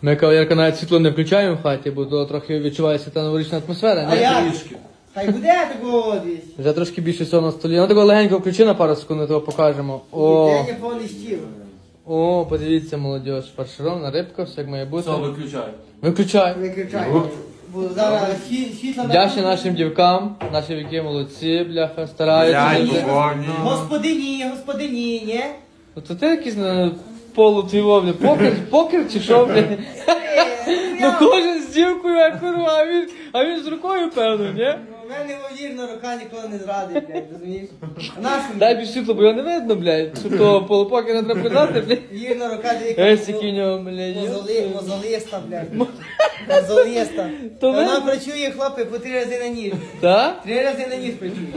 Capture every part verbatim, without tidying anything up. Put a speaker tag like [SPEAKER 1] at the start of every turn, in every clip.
[SPEAKER 1] Ми, кавалерка, навіть світло не включаємо в хаті, бо то трохи відчувається та новорічна атмосфера.
[SPEAKER 2] А
[SPEAKER 1] Не?
[SPEAKER 2] як? Хай буде такого десь.
[SPEAKER 1] Вже трошки більше всього на столі. Ну такого легенько включи на пару секунд, ми того покажемо. О,
[SPEAKER 2] День повний стіл.
[SPEAKER 1] о, подивіться, молодь, фарширована рибка, все як має бути.
[SPEAKER 3] Все, виключай.
[SPEAKER 1] Виключай.
[SPEAKER 2] Виключай. Бо зараз сві- світло...
[SPEAKER 1] Вдячні нашим дівкам, наші віки молодці, бляха, стараються.
[SPEAKER 4] Блядь,
[SPEAKER 1] Дуже.
[SPEAKER 4] повні.
[SPEAKER 2] Господині, господині, ні?
[SPEAKER 1] Ну то ти якийсь на полу твій бля, покер, покер чи що, бля? Ну кожен з дівкою, а курва, а він, а він з рукою, певно, ні?
[SPEAKER 2] У мене вірна рука ніколи не зрадить, блядь, розумієш? А нашу
[SPEAKER 1] Дай більш світло, бо його не видно, блядь. Що того полупокера треба придати, блядь.
[SPEAKER 2] вірна рука, де
[SPEAKER 1] Есь, який в нього, блядь.
[SPEAKER 2] Мозоли, мозолиста, блядь. Мозолиста.
[SPEAKER 1] То
[SPEAKER 2] Вона
[SPEAKER 1] ви-
[SPEAKER 2] працює, хлопець, по три рази на ніж.
[SPEAKER 1] Так?
[SPEAKER 2] Три рази на ніж працює.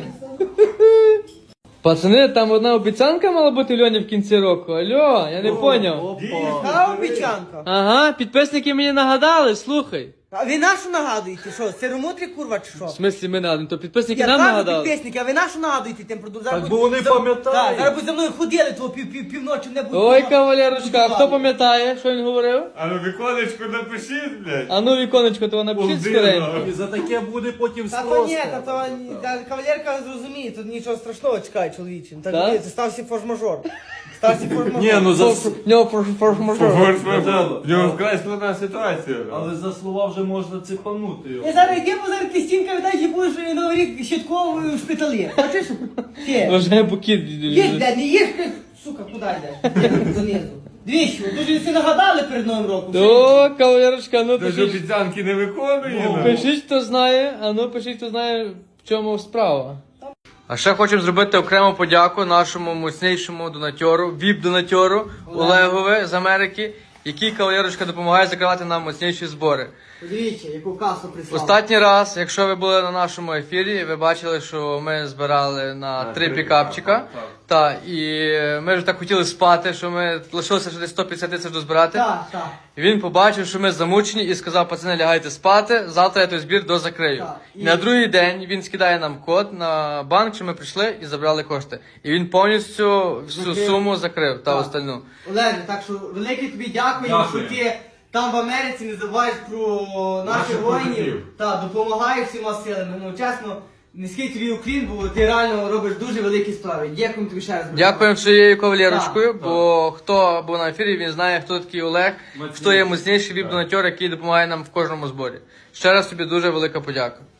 [SPEAKER 1] Пацани, там одна обіцянка мала бути Льоні в кінці року. Алло, я не поняв.
[SPEAKER 2] Яка обіцянка?
[SPEAKER 1] Ага, підписники мені нагадали, слухай.
[SPEAKER 2] А ви нашу нагадуєте, що? Сиромотрі курва чи що?
[SPEAKER 1] В смислі ми нагадали, то підписники
[SPEAKER 2] Я
[SPEAKER 1] нам
[SPEAKER 2] кажу
[SPEAKER 1] нагадали.
[SPEAKER 2] підписники, а ви нашу нагадуєте тим продовжуємо.
[SPEAKER 3] Так, бо вони пам'ятають.
[SPEAKER 2] Так, зараз будь за мною ходили, то пів, пів, півночі не буде.
[SPEAKER 1] Ой, кавалерочка, а хто пам'ятає, що він говорив?
[SPEAKER 4] А ну віконечку напишіть, блядь.
[SPEAKER 1] А ну, віконечко, то напишіть
[SPEAKER 4] Полдина.
[SPEAKER 1] скоренько.
[SPEAKER 3] І за таке буде потім
[SPEAKER 2] Та то
[SPEAKER 3] спрос.
[SPEAKER 2] ні, та то ні, та кавалерка зрозуміє, тут нічого страшного чекає чоловічим. Так,
[SPEAKER 1] Так?
[SPEAKER 2] ні, це стався форс-мажор. Стався форс-мажор.
[SPEAKER 3] Ні, ну за,
[SPEAKER 1] В нього форс- форс-мажор.
[SPEAKER 4] В нього вкрай складна ситуація.
[SPEAKER 3] але за слова вже можна цепанути його.
[SPEAKER 2] Я зараз йди, бо зараз ти стінка віддай, і будеш новий рік щитковою в шпиталі. Хочеш? Ти.
[SPEAKER 1] Вважає букет.
[SPEAKER 2] Їж, де, не їж, ти, сука, куди йдеш? Занизу. Двічі, дуже всі нагадали перед Новим роком.
[SPEAKER 1] То, кавалерочка, ну
[SPEAKER 4] Тож
[SPEAKER 1] пишіть.
[SPEAKER 4] обіцянки не виконує. ну.
[SPEAKER 1] Пишіть, хто знає, а ну пишіть, хто знає, в чому справа. А ще хочемо зробити окрему подяку нашому мощнішому донатьору, віп-донатьору Олегові з Америки, який, кавалерочка, допомагає закривати нам мощніші збори.
[SPEAKER 2] Подивіться, яку касу прислав.
[SPEAKER 1] Останній раз, якщо ви були на нашому ефірі, ви бачили, що ми збирали на три
[SPEAKER 4] три
[SPEAKER 1] пікапчика.
[SPEAKER 4] пікапа,
[SPEAKER 1] Та, і ми вже так хотіли спати, що ми лишилося ще десь сто п'ятдесят тисяч дозбирати.
[SPEAKER 2] Так, так.
[SPEAKER 1] І він побачив, що ми замучені, і сказав: пацани, лягайте спати, завтра я той збір дозакрию.
[SPEAKER 2] Так,
[SPEAKER 1] І...
[SPEAKER 2] і-
[SPEAKER 1] на другий день він скидає нам код на банк, що ми прийшли і забрали кошти. І він повністю всю
[SPEAKER 2] Закрив.
[SPEAKER 1] суму закрив та
[SPEAKER 2] Так.
[SPEAKER 1] остальну.
[SPEAKER 2] Олеже, так що велике тобі дякуємо,
[SPEAKER 3] Дякую.
[SPEAKER 2] що ти там в Америці не забуваєш про наших
[SPEAKER 4] Наших
[SPEAKER 2] воїнів.
[SPEAKER 4] побратимів.
[SPEAKER 2] Та, допомагаєш всіма силами. Ну, чесно, низький тобі уклін, бо ти реально робиш дуже великі справи. Дякуємо тобі ще раз.
[SPEAKER 1] Дякуємо своєю кавалерочкою,
[SPEAKER 2] Так,
[SPEAKER 1] бо хто був на ефірі, він знає, хто такий Олег,
[SPEAKER 3] Мацніший.
[SPEAKER 1] хто є мощніший віп-донатьор, який допомагає нам в кожному зборі. Ще раз тобі дуже велика подяка.